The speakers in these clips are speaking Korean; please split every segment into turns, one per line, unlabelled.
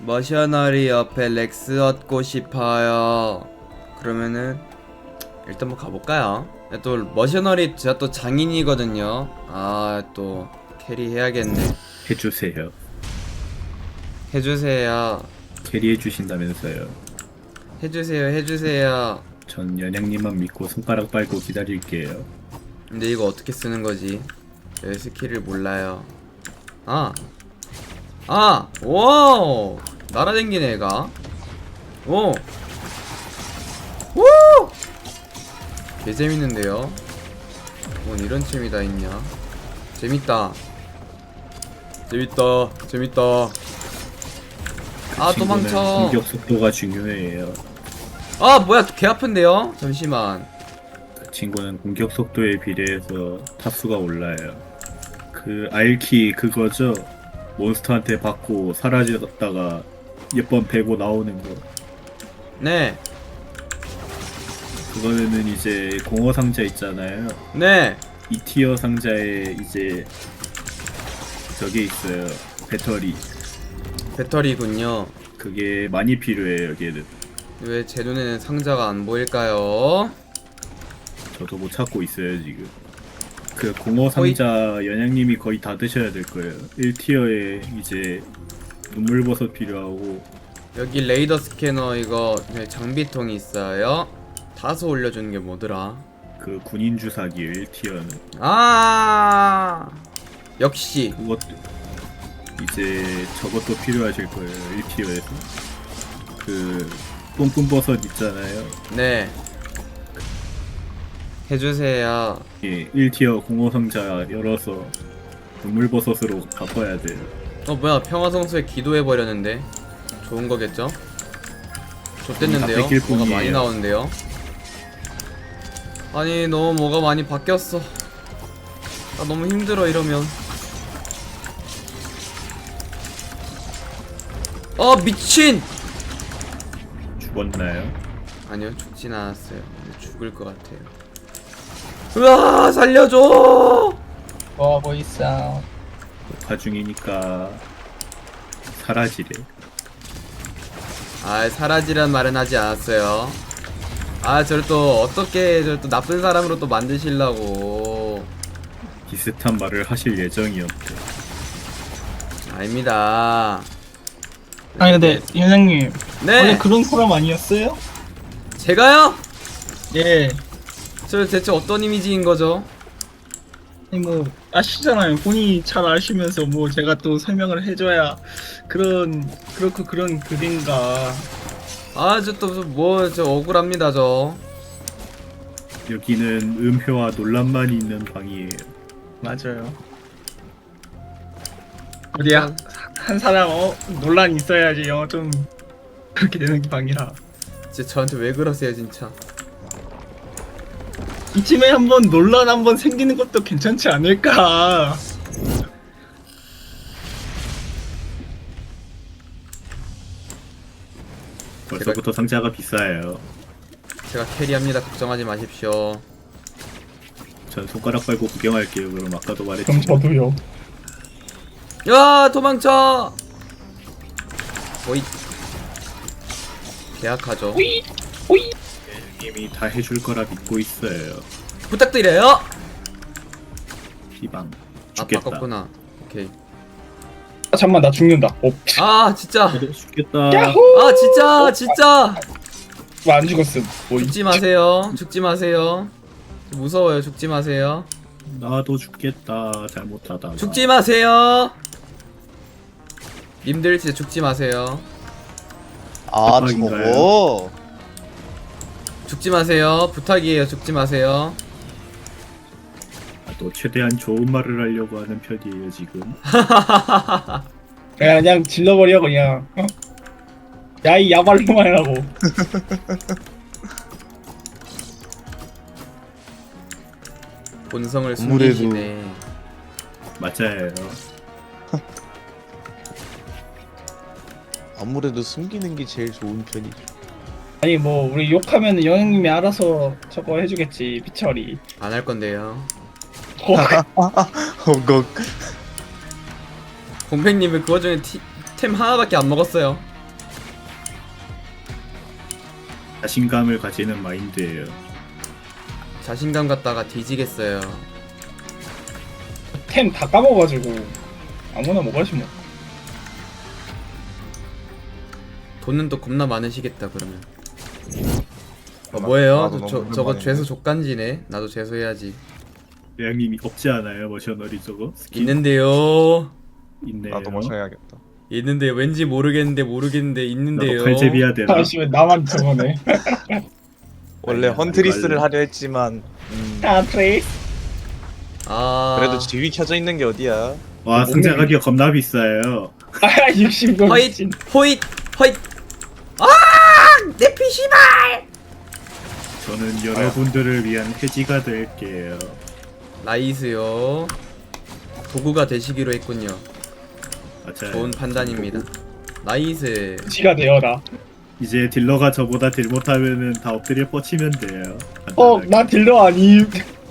머셔너리 옆에 렉스 얻고 싶어요. 그러면은 일단 뭐 가볼까요? 또 머셔너리 제가 또 장인이거든요. 아 또 캐리 해야겠네.
해주세요.
해주세요.
캐리해 주신다면서요.
해주세요.
전 연양님만 믿고 손가락 빨고 기다릴게요.
근데 이거 어떻게 쓰는 거지? 내 스킬을 몰라요. 오! 날아댕기네 얘가. 오! 오! 개 재밌는데요? 뭔 이런 취미 다 있냐? 재밌다. 아,
친구는
도망쳐.
공격 속도가 중요해요.
아, 뭐야, 개 아픈데요? 잠시만.
그 친구는 공격 속도에 비례해서 타수가 올라요. 그 R키 그거죠? 몬스터한테 받고 사라졌다가 몇 번 베고 나오는 거.
네,
그거는 이제 공허 상자 있잖아요.
네.
2티어 상자에 이제 저게 있어요.
배터리군요.
그게 많이 필요해요, 걔는.
왜 제 눈에는 상자가 안 보일까요?
저도 못 찾고 있어요, 지금. 그 공허 상자 연양님이 거의 다 드셔야 될 거예요. 1티어에 이제 눈물버섯 필요하고
여기 레이더 스캐너 이거 네, 장비통이 있어요. 다소 올려주는 게 뭐더라?
그 군인 주사기 1티어는
아 역시
그것도 이제 저것도 필요하실 거예요. 1티어에서 그 뿜뿜버섯 있잖아요.
네 해주세요.
예, 1티어 공허 상자 열어서 눈물버섯으로 바꿔야 돼요.
뭐야 평화성소에 기도해버렸는데 좋은 거겠죠? 좋댔는데요?
다 뺏길
뭐가
뿐이에요.
많이 나오는데요? 아니 너무 뭐가 많이 바뀌었어. 나 너무 힘들어 이러면. 미친!
죽었나요?
아니요 죽진 않았어요. 근데 죽을 것 같아요. 으아 살려줘!
뭐 있어.
녹화 중이니까 사라지래.
사라지란 말은 하지 않았어요. 저를 또 어떻게 저를 또 나쁜 사람으로 또 만드시려고.
비슷한 말을 하실 예정이었대.
아닙니다.
아니 근데 연장님 원래
네
그런 사람 아니었어요?
제가요?
예.
저 대체 어떤 이미지인 거죠?
아니 뭐 아시잖아요. 본인이 잘 아시면서 뭐 제가 또 설명을 해줘야 그렇고 그런 글인가.
저 또 뭐 저 억울합니다 저.
여기는 음표와 논란만 있는 방이에요.
맞아요. 어디야? 한 사람 논란 있어야지 좀 그렇게 되는 방이라.
진짜 저한테 왜 그러세요 진짜.
이쯤에 한번 논란 한번 생기는 것도 괜찮지 않을까.
벌써부터 상자가 비싸요.
제가 캐리합니다. 걱정하지 마십시오.
전 손가락 빨고 구경할게요. 그럼 아까도
그럼
말했지.
저도요.
야 도망쳐. 오이 계약하죠.
호이 호이.
님이 다 해줄 거라 믿고 있어요.
부탁드려요.
피방 죽겠다.
바꿨구나. 오케이.
잠만 나 죽는다.
진짜.
저도 죽겠다.
야호.
진짜.
안 죽었음.
죽지 마세요. 무서워요. 죽지 마세요.
나도 죽겠다. 잘못하다.
죽지 마세요. 님들 진짜 죽지 마세요.
대박인가요?
저거
죽지 마세요. 부탁이에요. 죽지 마세요.
또 최대한 좋은 말을 하려고 하는 편이에요 지금.
그냥 질러버려 그냥. 야이 야발로만 하라고.
본성을
아무래도-
숨기시네.
맞아요.
아무래도 숨기는 게 제일 좋은 편이죠.
아니 뭐 우리 욕하면 영영님이 알아서 저거 해주겠지 피처리.
안 할 건데요.
엉걱.
공백님은 그 와중에 템 하나밖에 안 먹었어요.
자신감을 가지는 마인드예요.
자신감 갖다가 뒤지겠어요.
템 다 까먹어가지고 아무나 먹어야지 뭐.
돈은 또 겁나 많으시겠다 그러면. 뭐예요?
나도 너무
저거
오랜만이네.
죄수 족간지네. 나도 죄수해야지.
대장님이 없지 않아요? 머셔너리 저거? 스킨
있는데요.
있네요.
나도 머셔야겠다.
있는데 왠지 모르겠는데 있는데요.
나도 칼제비야 되나?
아씨 왜 나만 저거네.
원래
아니야,
헌트리스를
이거
하려 했지만
아 트레이스.
아
그래도 지위 켜져 있는 게 어디야?
와 승자 가격 겁나 비싸요.
아 60도
허잇
미친.
호잇 허잇. 아! 내 피시발!
저는 여러분들을 위한 해지가 될게요.
나이스요. 도구가 되시기로 했군요.
맞아요.
좋은 판단입니다. 나이스.
지가 되어라.
이제 딜러가 저보다 딜 못하면은 다 엎드려 뻗치면 돼요.
나 딜러 아니.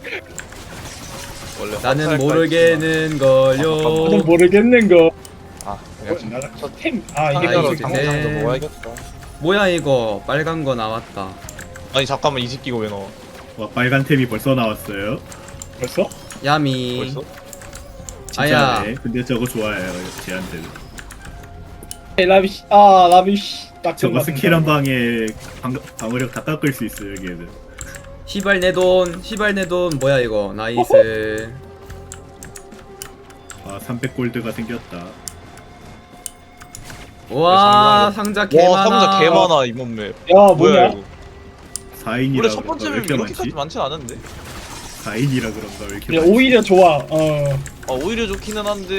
원래
나는
헌트할까
모르겠는
나는
걸요.
모르겠는 거.
했지만. 아 그냥
저템 아 이게
아이고,
갑자기
네.
강화장도 모아야겠다.
뭐야 이거 빨간 거 나왔다.
아니 잠깐만 이 새끼가 왜 나와?
와 빨간 탭이 벌써 나왔어요.
벌써?
야미.
벌써?
아야.
진짜네. 근데 저거 좋아해요. 제한들.
라비시 아 라비시 딱
저거 스킬 한 방에 방어력 다 깎을 수 있어요. 걔는.
시발 내 돈. 시발 내 돈. 뭐야 이거. 나이스.
아 300골드가 생겼다.
와 상자 개
와
많아.
상자 개 많아 이번 맵.
야 뭐야?
이거?
4인이라
원래 첫 번째
왜
맵
이렇게
이렇게까지
많지?
많진 않은데.
4인이라 그런가 왜 이렇게
야,
많지?
오히려 좋아.
아 오히려 좋기는 한데.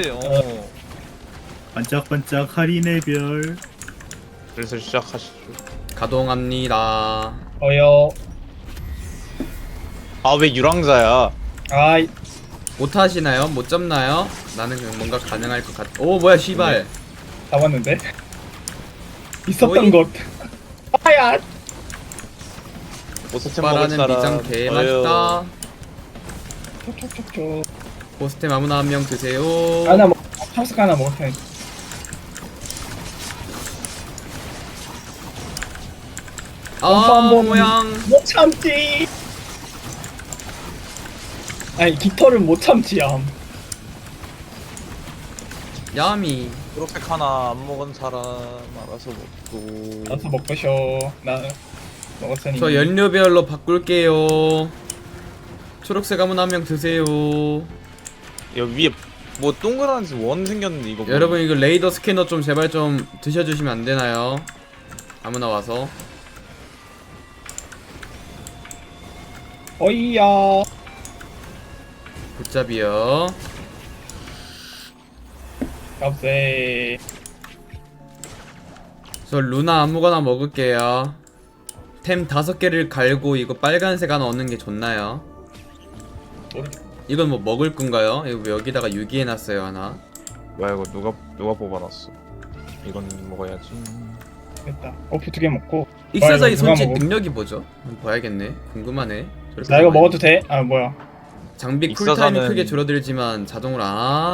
반짝반짝 할인의 별.
그래서 시작하시죠.
가동합니다.
어여.
아 왜 유랑자야?
아이
못 하시나요? 못 잡나요? 나는 그냥 뭔가 가능할 것 같. 오 뭐야 시발.
잡았는데. 있었던
오이?
것. 아야.
보스템 먹을
오빠라는
사람.
미장 개 맛있다.
촉촉촉촉.
보스템 아무나 한 명 드세요.
하나 먹. 탑스 하나 먹을 테니.
아
한번
모양.
못 참지. 아니 깃털을 못 참지 암.
야미.
초록색 하나 안 먹은 사람 알아서 먹고.
나서 먹으셔. 나 먹었으니.
저 연료별로 바꿀게요. 초록색 아무나 한 명 드세요.
여기 위에 뭐 동그란 원 생겼는데 이거 뭐야?
여러분 이거 레이더 스캐너 좀 제발 좀 드셔주시면 안 되나요? 아무나 와서.
어이야.
굿잡이요.
값세.
저 루나 아무거나 먹을게요. 템 5개를 갈고 이거 빨간색 하나 얻는 게 좋나요?
모르겠.
이건 뭐 먹을 건가요? 이거 왜 여기다가 유기해놨어요 하나?
뭐야 이거 누가 뽑아놨어? 이건 먹어야지.
됐다. 오프 2개 먹고.
익사자의
이거 누가
손짓
먹어?
능력이 뭐죠? 한번 봐야겠네. 궁금하네. 저렇게
나 이거
많이.
먹어도 돼? 아 뭐야?
장비 쿨타임이
익사자는-
크게 줄어들지만 자동으로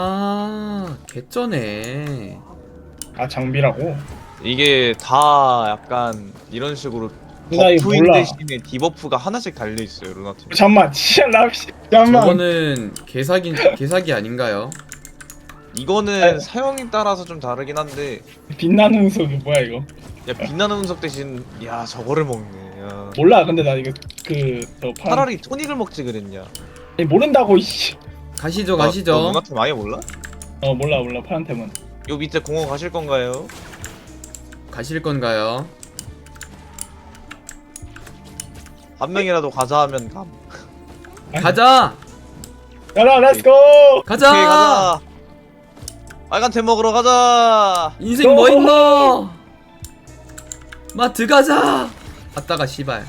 개쩌네.
아 장비라고?
이게 다 약간 이런 식으로
나 이거
버프인
몰라.
대신에 디버프가 하나씩 달려 있어요 루나팀.
잠만. 진짜 라비시. 잠만.
저거는 개사기 아닌가요?
이거는
아.
사용에 따라서 좀 다르긴 한데
빛나는 운석이 뭐야 이거?
야 빛나는 운석 대신 야 저거를 먹네. 야.
몰라. 근데 나 이거 그저 파란.
차라리 토닉을 먹지 그랬냐?
아니, 모른다고 이씨.
가시죠
너
가시죠.
루나팀 아예 몰라?
몰라 파란 템은.
요 밑에 공원 가실 건가요?
가실 건가요?
한 명이라도 가자 하면 감.
가자!
가라 렛츠고.
가자!
오케이 가자. 빨간 템 먹으러 가자.
인생 뭐 있노? 마트 가자! 아따가 씨발.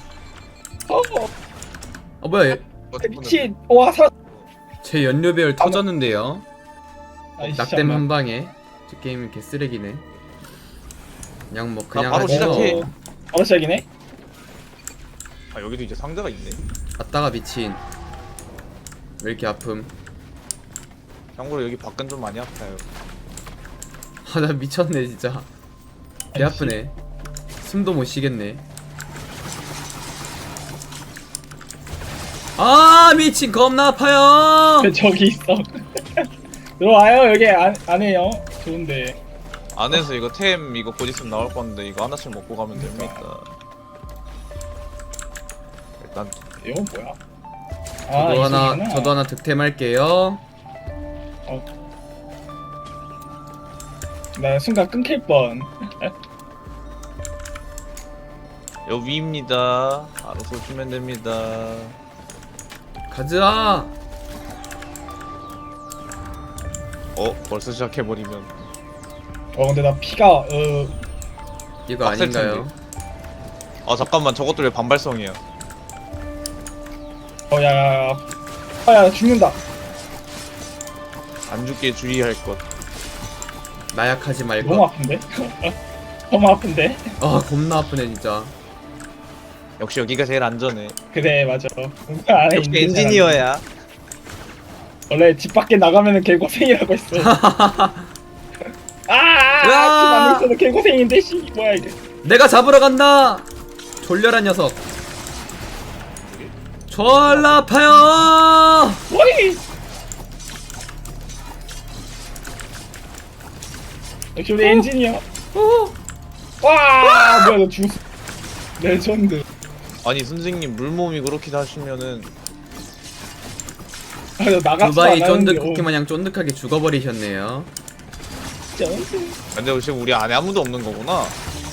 뭐야 얘,
미친. 와 살.
제 연료별 터졌는데요.
아이씨,
낙뎀
잠만.
한 방에. 저 게임 개쓰레기네. 그냥 뭐 그냥
바로
하죠.
시작해.
바로 시작이네.
아 여기도 이제 상자가 있네.
아따가 미친. 왜 이렇게 아픔?
참고로 여기 밖은 좀 많이 아파요.
아 나 미쳤네 진짜. 개 아프네. 숨도 못 쉬겠네. 아 미친 겁나 아파요.
왜 저기 있어? 들어와요. 여기 안에요. 좋은데.
안에서 이거 템 이거 곧 있으면 나올 건데 이거 하나씩 먹고 가면 됩니다. 일단
이건 뭐야?
저도 하나
이거구나.
저도 하나 득템할게요.
나 순간 끊길 뻔.
여 위입니다. 알아서 오시면 됩니다.
가자.
벌써 시작해버리면
근데 나 피가
이거
빡셀
아닌가요?
아 잠깐만 저것도 왜 반발성이야?
야야야. 나 죽는다.
안 죽게 주의할 것.
나약하지
너무
말고.
아픈데? 너무 아픈데?
아 겁나 아프네 진짜.
역시 여기가 제일 안전해.
그래 맞아. 뭔가 안에
역시
있는 사람이.
엔지니어야.
원래 집 밖에 나가면은 개고생이라고 했어. 집 안에 있어도 개고생인데 씨 뭐야 이게.
내가 잡으러 간다. 졸려라 녀석. 졸라 아파요.
뭐이? 역시 우리 엔지니어. 와 뭐야 너 죽었어. 레전드.
아니 선생님 물몸이 그렇게 하시면은
너 나갔어
두바이
안
쫀득
하는데,
쿠키 마냥 쫀득하게 죽어버리셨네요.
진짜.
근데 혹시 우리 안에 아무도 없는 거구나.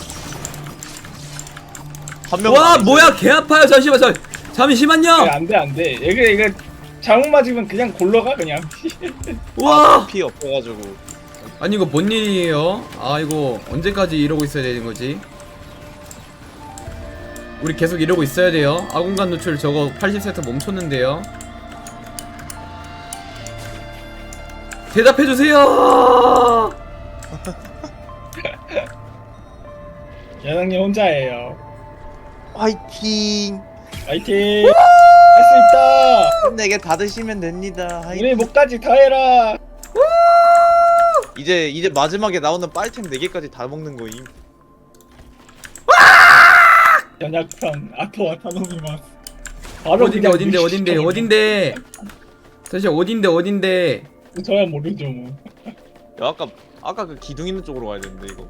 한 명.
와 뭐야 개 아파요. 잠시만요.
안돼 이거 잘못 맞으면 그냥 골러가 그냥.
와
피 없어가지고.
아니 이거 뭔 일이에요? 아 이거 언제까지 이러고 있어야 되는 거지? 우리 계속 이러고 있어야 돼요. 아공간 노출 저거 80세트 멈췄는데요. 대답해주세요.
여장님 혼자예요.
화이팅!
파이팅. 할 수 있다.
내게 받으시면 됩니다.
우리 목까지 다 해라.
이제 마지막에 나오는 빨템 4개까지 다 먹는 거임.
연약한 아토와 타노미만. 바로
어딘데
그냥
어딘데 어딘데
무시시켜버려.
어딘데 사실 어딘데
저야 모르죠 뭐.
야 아까 그 기둥 있는 쪽으로 가야 되는데 이거.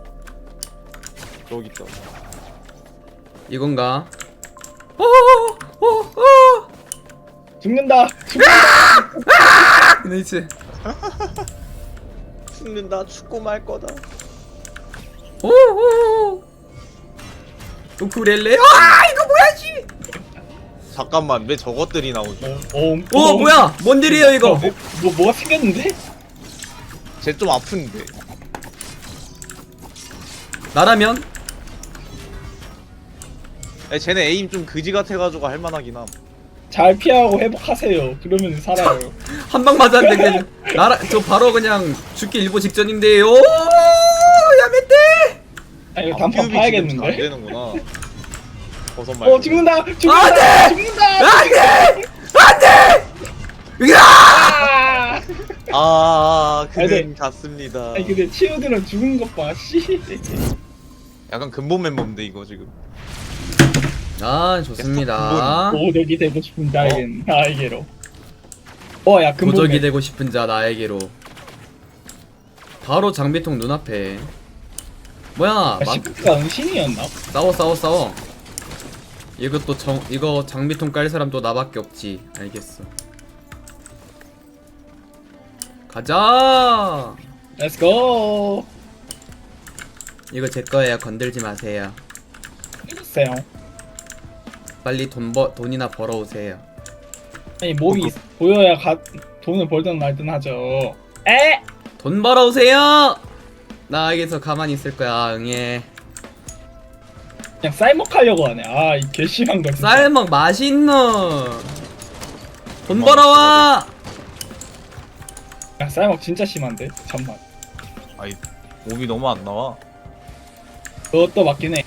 저기 있다.
이건가?
죽는다.
나이스.
죽는다. 죽고 말 거다.
우쿨렐레. 이거 뭐야 씨.
잠깐만 왜 저것들이 나오지?
오 뭐야 뭔 일이에요 이거?
뭐가 생겼는데?
쟤 좀 아픈데.
나라면
야, 쟤네 에임 좀 그지 같아가지고 할만하긴 함.
잘 피하고 회복하세요. 그러면 살아요.
한 방 맞았는데 그냥 나라 저 바로 그냥 죽기 일보 직전인데요. 야메떼.
아니 이거 단판
안
파야겠는데?
되는구나. 버섯 말고.
죽는다.
안 돼!
죽는다.
안돼.
아!
그는
아니,
갔습니다.
아니 근데 치우들은 죽은 것 봐. 씨.
약간 근본 멤버인데 이거 지금.
아 좋습니다.
고독이 되고 싶은 나에게로. 야 근본.
고적이 되고 싶은 자 나에게로. 바로 장비통 눈앞에. 뭐야?
시프트가 은신이었나?
싸워. 이것도 이거 장비통 깔 사람 또 나밖에 없지. 알겠어. 가자.
Let's go.
이거 제 거예요. 건들지 마세요.
해주세요.
빨리 돈이나 벌어오세요.
아니 몸이 보여야 돈을 벌든 말든 하죠. 에?
돈 벌어오세요. 나 여기서 가만히 있을 거야. 응애.
그냥 쌀먹하려고 하네. 이 괘씸한 거 진짜.
쌀먹 맛있노. 돈 벌어와.
야, 쌀먹 진짜 심한데? 잠만.
아이 몸이 너무 안 나와.
그것도 맞긴 해.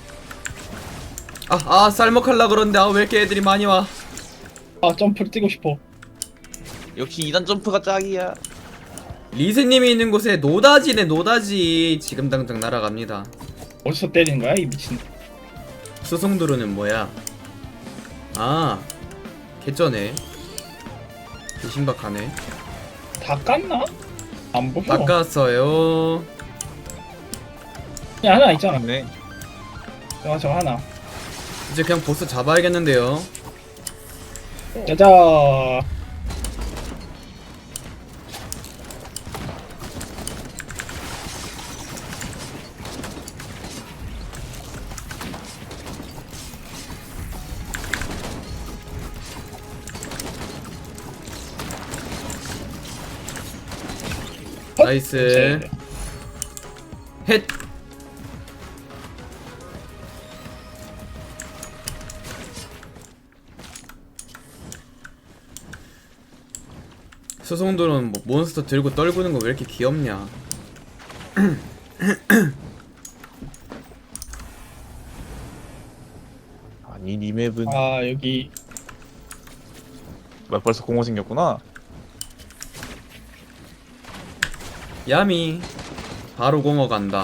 쌀먹 할라 그러는데 왜 이렇게 애들이 많이 와?
점프를 뛰고 싶어.
역시 2단 점프가 짝이야.
리세님이 있는 곳에 노다지네 노다지. 지금 당장 날아갑니다.
어디서 때리는 거야 이 미친.
수송도로는 뭐야? 개쩌네. 신박하네.
다 깠나? 안 보여.
닦았어요.
야, 하나 있잖아.
네.
저 하나.
이제 그냥 보스 잡아야겠는데요.
짜자.
나이스. 헷. 수송들은 뭐 몬스터 들고 떨구는 거 왜 이렇게 귀엽냐.
아니 이 맵은
아, 여기.
막 벌써 공허 생겼구나.
야미. 바로 공어 간다.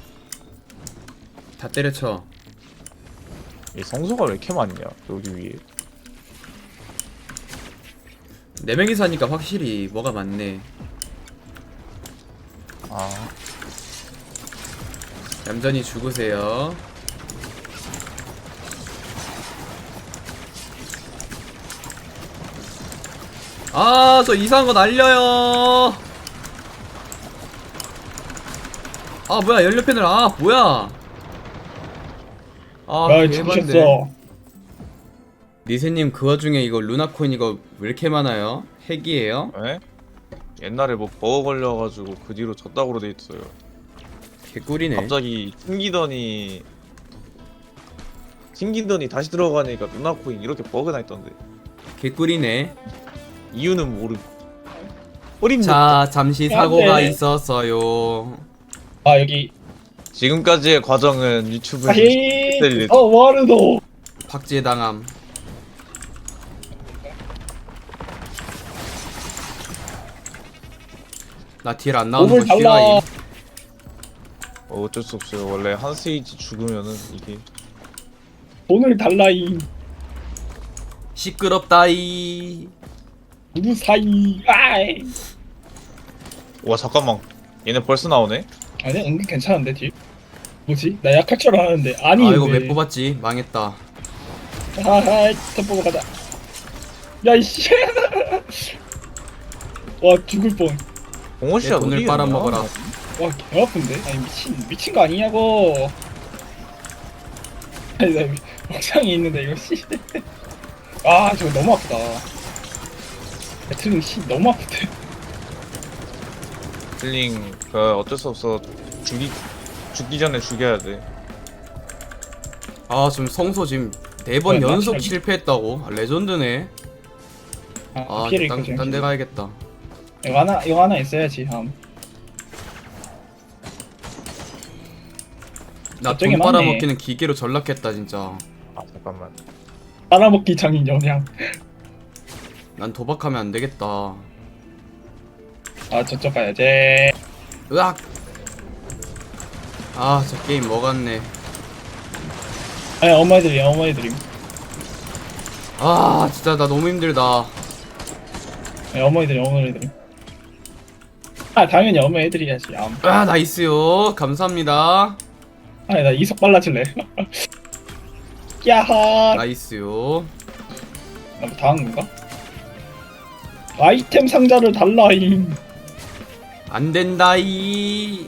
다 때려쳐.
이 성소가 왜 이렇게 많냐 여기 위에.
4명이서 하니까 확실히 뭐가 많네.
아
얌전히 죽으세요. 아, 저 이상한 거 날려요. 아, 뭐야, 연료 패널. 아, 뭐야. 아,
아,
대박인데.
죽으셨어.
리세님, 그 와중에 이거 루나코인 이거 왜 이렇게 많아요? 핵이에요?
에? 옛날에 뭐 버거 걸려가지고 그 뒤로 졌다고로 돼 있어요.
개꿀이네.
갑자기 튕기더니 다시 들어가니까 누나코인 이렇게 버그나 있던데
개꿀이네.
이유는 모르고 어림도
자, 잠시 사고가
안 돼.
있었어요.
아, 여기.
지금까지의 과정은 유튜브에
아히.
네.
와르도.
박제당함. 나 딜 안 나오는
몸을
거
달라.
싫어해.
어쩔 수 없어요. 원래 한 스테이지 죽으면은 이게
돈을 달라이.
시끄럽다이.
누구 사이. 아이.
와 잠깐만 얘네 벌써 나오네?
아니, 은근 괜찮은데, 뒤. 뭐지? 나 약할 줄 알았는데. 아니,
아, 이거 왜 뽑았지? 망했다.
하하, 템포가 가자. 야, 이씨. 와, 죽을 뻔.
내
공호씨야
돈을 빨아먹어라.
와, 개 아픈데? 아니, 미친 거 아니냐고. 아니, 나 옥상에 있는데, 이거, 씨. 아, 저거 너무 아프다. 배틀링, 씨, 너무 아프대.
딜링 그 어쩔 수 없어 죽기 전에 죽여야 돼.
아, 지금 성소 지금 4번
뭐야,
연속
나
실패했다고? 아, 레전드네. 아,
피해를 입고 지금.
딴 데 가야겠다.
이거 하나 있어야지,
나
저쪽에
돈
많네.
빨아먹기는 기계로 전락했다, 진짜.
아 잠깐만.
빨아먹기 장인 영양.
난 도박하면 안 되겠다.
아, 저쪽 가야지.
으악! 아, 저 게임 먹었네.
아니, 어머니들임.
아, 진짜 나 너무 힘들다.
네, 어머니들임. 아, 당연히 어머니들이야지.
아, 나이스요. 감사합니다.
아니, 나 이속 빨라질래. 야하.
나이스요.
나뭐 당한 건가? 아이템 상자를 달라잉.
안 된다이.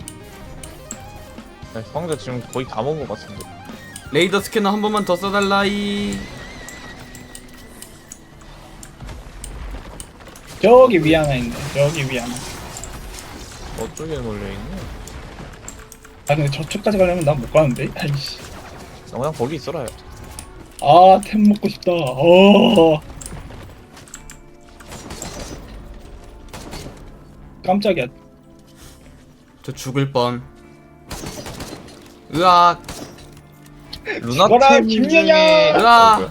상자 지금 거의 다 먹은 것 같은데.
레이더 스캐너 한 번만 더 써달라이.
저기 위에 하나 있네. 저기 위에 하나.
어쪽에 몰려있네.
아, 근데 저쪽까지 가려면 난 못 가는데. 아이씨.
나 그냥 거기 있어라요.
아, 템 먹고 싶다. 깜짝이야.
저 죽을 뻔. 으악.
죽어라,
루나템
김연아!
으악.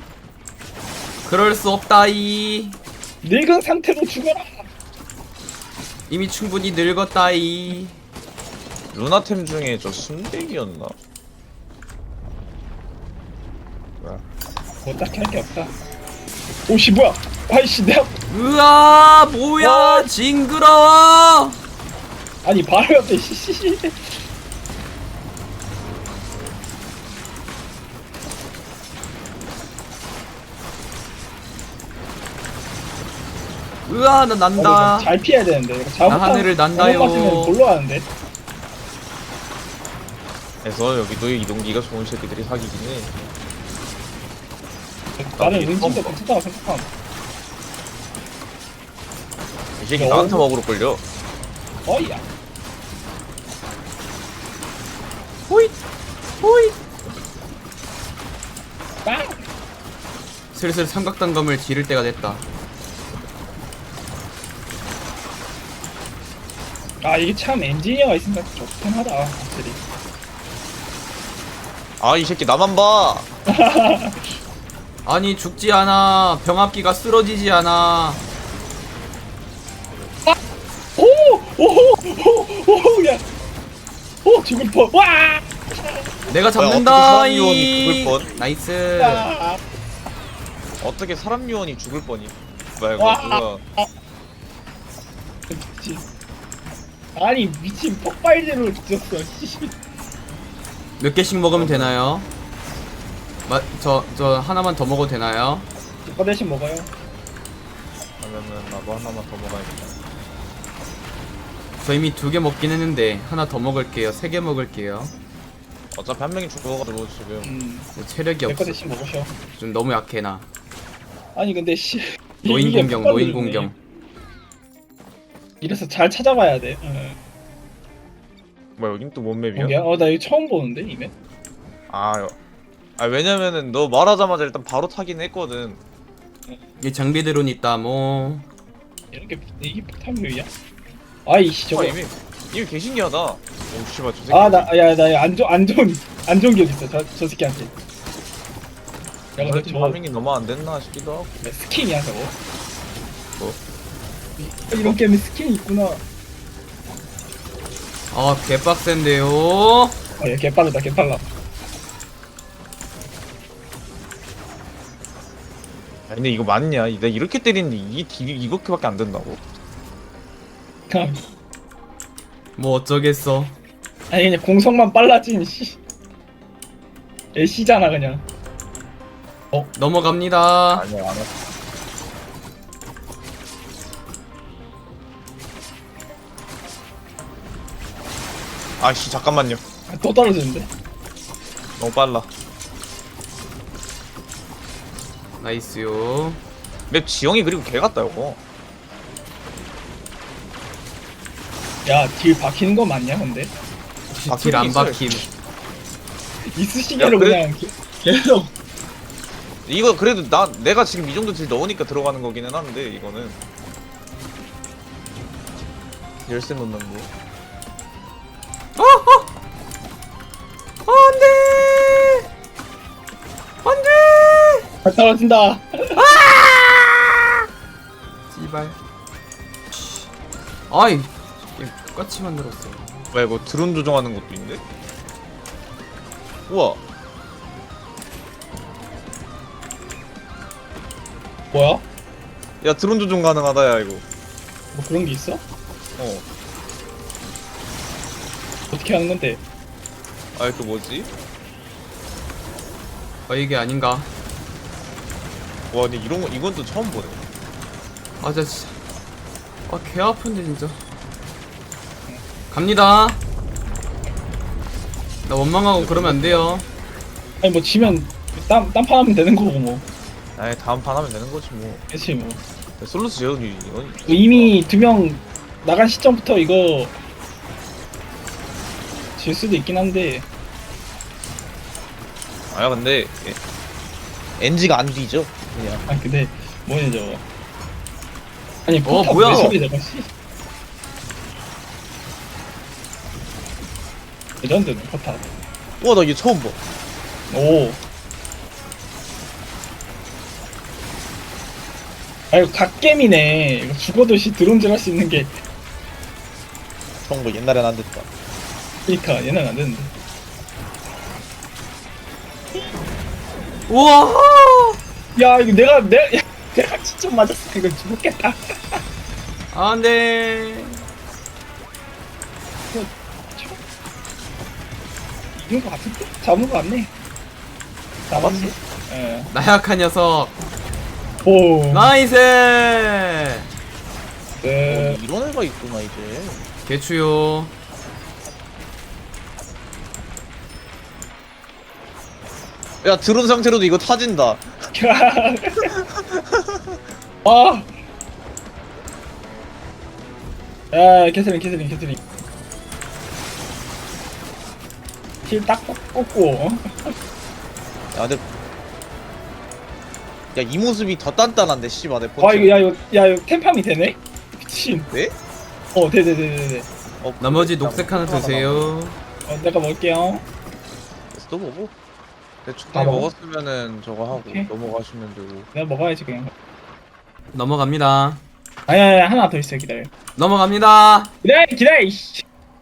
그럴 수 없다이.
늙은 상태로 죽어라.
이미 충분히 늙었다이.
루나템 중에 저 순백이었나?
뭐 딱히 할 게 없다. 오씨 뭐야? 아이씨 내가
으아 뭐야 징그러워.
아니 바로 옆에 씨씨.
으아 나 난다.
잘 피해야 되는데. 이거
나 하늘을 난다요.
잘못 볼로 하는데.
그래서 여기도 이동기가 좋은 새끼들이 사귀긴 해.
나는
이게
은진도
처음
괜찮다고 생각함.
이 새끼 나한테 먹으러 끌려.
어이야.
호잇 호잇.
빵.
슬슬 삼각단검을 지를 때가 됐다.
아 이게 참 엔지니어가 있으니까 좋긴 하다 확실히.
아 이 새끼 나만 봐.
아니 죽지 않아. 병합기가 쓰러지지 않아.
오오오오오 야. 오 죽을 뻔. 와.
내가
어떻게
잡는다.
사람 요원이 죽을 뻔?
나이스.
아.
어떻게 사람 요원이 죽을 뻔이? 뭐야 이거
와.
뭐야?
미친. 아니 미친 폭발제로 죽였어. 씨.
몇 개씩 먹으면 되나요? 저 하나만 더 먹어도 되나요?
이거 대신 먹어요.
그러면은 나도 하나만 더 먹어야겠다.
저 이미 2개 먹긴 했는데 하나 더 먹을게요. 3개 먹을게요.
어차피 한 명이 죽어가지고 지금.
체력이
내거
없어.
대신 먹으셔.
좀 너무 약해 나.
아니 근데 씨.
노인
이게
공경,
폭발로
노인
죽네.
공경.
이래서 잘 찾아봐야 돼. 응.
뭐야 여긴 또 뭔 맵이야?
뭐야? 나 이거 처음 보는데 이메.
아 왜냐면은 너 말하자마자 일단 바로 타긴 했거든.
이 장비 드론 있다 뭐.
이렇게 이게 폭탄 묘이야? 아이씨 저거.
이미 개신기하다. 오 씨발 저 새끼.
아나야나안 좋은 기억 있어 저 새끼한테. 야 근데
저
저
파밍이 너무 안 됐나 싶기도 하고.
스킨이야 저거.
뭐?
이런 게임에 스킨이 있구나.
아 개빡센데요.
아얘 개빠르다 개빨라.
아니 근데 이거 맞냐? 내가 이렇게 때리는데 이게 딜이 이렇게밖에 안 된다고?
그냥
뭐 어쩌겠어.
아니 그냥 공성만 빨라진 씨. 애쉬잖아 그냥.
넘어갑니다.
아니야 안 해. 아씨 잠깐만요.
또 떨어지는데.
너무 빨라.
나이스요.
맵 지형이 그리고 개 같다 이거.
야 딜 박히는 거 맞냐 근데?
딜 안
있어요.
박힘.
이쑤시개로
야, 그래?
그냥 계속.
이거 그래도 내가 지금 이 정도 딜 넣으니까 들어가는 거기는 한데 이거는 열쇠 넣는 거.
안돼. 안돼.
잘 떨어진다.
씨발. 아이 게임 똑같이 만들었어.
뭐야 이거 드론 조종하는 것도 있네? 우와.
뭐야?
야 드론 조종 가능하다 야 이거.
뭐 그런 게 있어?
어.
어떻게 하는 건데?
아 그 뭐지?
이게 아닌가?
와 근데 이런 거 이건 또 처음 보네.
아 진짜. 개 아픈데 진짜. 갑니다. 나 원망하고 그러면 안 돼요.
아니 뭐 지면 딴판 하면 되는 거고 뭐.
아이 다음 판 하면 되는 거지 뭐.
그치 뭐.
솔루스 재현이 이건
뭐 이미 2명 나간 시점부터 이거 질 수도 있긴 한데.
아야 근데 NG가 안 뒤져 그냥.
아니 근데 뭐냐 저거. 아니 포탑
뭐야?
왜 소리 저거 씨. 레전드네 포탑.
우와 나 이게 처음 봐.
오. 아 이거 갓겜이네. 이거 죽어도 드론질 할 수 있는 게.
그런 거 옛날엔 안 됐다.
그니까 얘는 안 되는데.
우와.
야 이거 야, 진짜 맞았어. 이거 죽겠다.
안돼.
이긴 거 같은데? 잡은 거 같네. 잡았어? 예.
나약한 녀석.
오.
나이스.
이런 애가 있구나 이제.
개추요.
야 드론 상태로도 이거 타진다.
아. 야, 캐슬링. 힐딱 꽂고. 어?
야 근데 야 이 모습이 더 단단한데 씨발 내
와, 이거 템팜이 되네? 미친.
네?
네.
나머지 녹색 하나 드세요.
내가 먹을게요.
또 먹어.
다
대충
먹어?
먹었으면은 저거 하고
오케이.
넘어가시면 되고.
내가 먹어야지, 그냥.
넘어갑니다.
아니야, 하나 더 있어, 기다려.
넘어갑니다.
기다려, 이씨.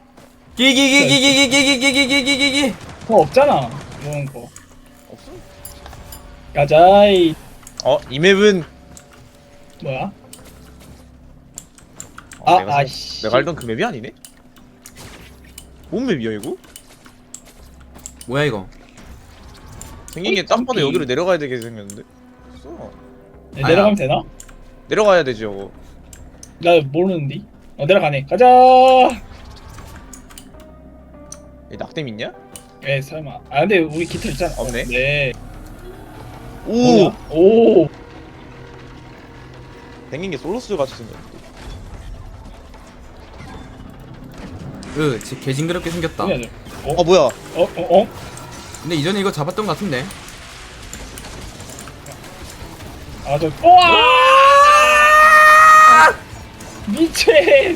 기기기기기기기기기기기기기기.
그거 없잖아, 먹은 거.
없어?
가자이.
이 맵은
뭐야?
내가 알던 그 맵이 아니네? 뭔 맵이야 이거?
뭐야 이거?
생긴 게 딱 봐도 여기로 내려가야 되게 생겼는데? 없어.
내려가면 되나?
내려가야 되지 이거.
나 모르는데. 내려가네. 가자.
이 낙뎀 있냐?
에 설마. 근데 우리 깃털 있잖아.
없네.
네.
오!
뭐야? 오.
생긴 게 솔로스 같이 생겼는데.
개징그럽게 생겼다.
뭐야, 저?
뭐야?
근데 이전에 이거 잡았던 것 같은데.
우와! 미친!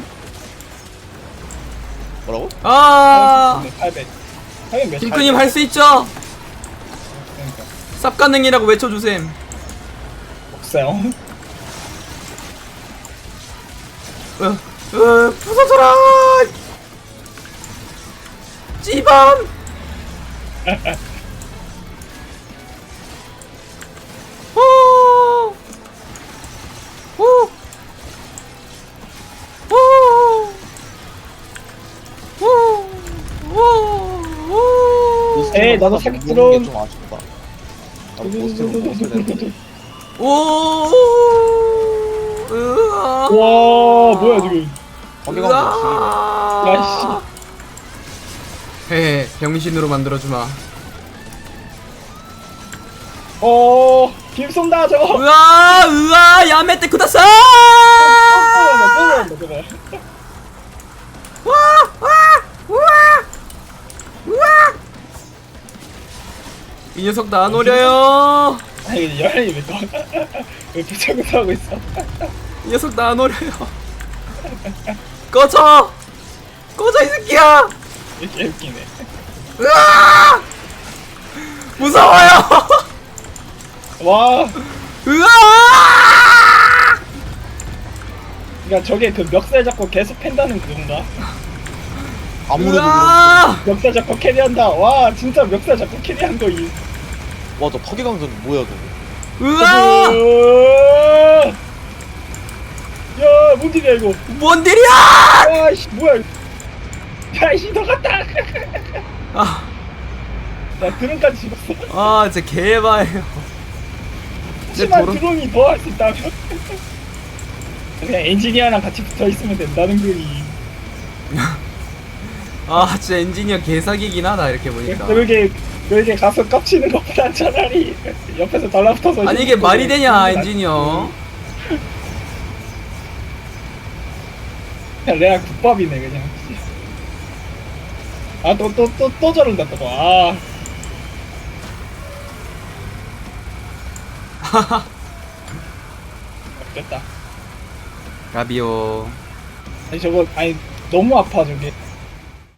뭐라고?
아,
800. 800 몇?
핑크님 할 수 있죠?
그러니까.
쌉가능이라고 외쳐주셈.
없어요.
부서져라! 찌밤! 호! 호! 호! 호! 호! 호!
에이, 나도 사기 들어온-
좀 아쉽다. 나도 모스트로 먹었어야 되는데.
오! 으아!
와, 뭐야, 지금.
거기가 뭐
야,
헤헤, 병신으로 만들어주마.
빔 쏜다, 저거!
으아, 야메테 쿠다사!
또 저거.
이 녀석 나 노려요.
아니, 열이 왜 또, 왜 부착을 하고 있어?
이 녀석 나 노려요. 꺼져, 꺼져 이 새끼야.
이렇게 웃기네.
으아, 무서워요.
와,
으아,
그니까 저게 그 멱살 잡고 계속 팬다는 그건가?
아무래도
으아,
멱살 잡고 캐리한다. 와, 진짜 멱살 잡고 캐리한 거 이.
와, 저 파괴강전 뭐야 저거?
으아,
야, 뭔 일이야 이거?
뭔 일이야?
와, 씨, 뭐야? 야, 이씨, 너 같다.
아,
나 드론까지 집었어.
아, 진짜 개바예요.
하지만
도로-
드론이 더 할 수 있다면 그냥 엔지니어랑 같이 붙어 있으면 된다는 거니.
아, 진짜 엔지니어 개사기긴 하다 이렇게 보니까.
그러게 가서 깝치는 것보단 차라리 옆에서 달라붙어서.
아니 이게 말이 되냐 엔지니어?
그냥 레알 국밥이네 그냥. 아, 또 저런다 또. 아. 됐다.
라비오.
아니 저거 아니 너무 아파 저게.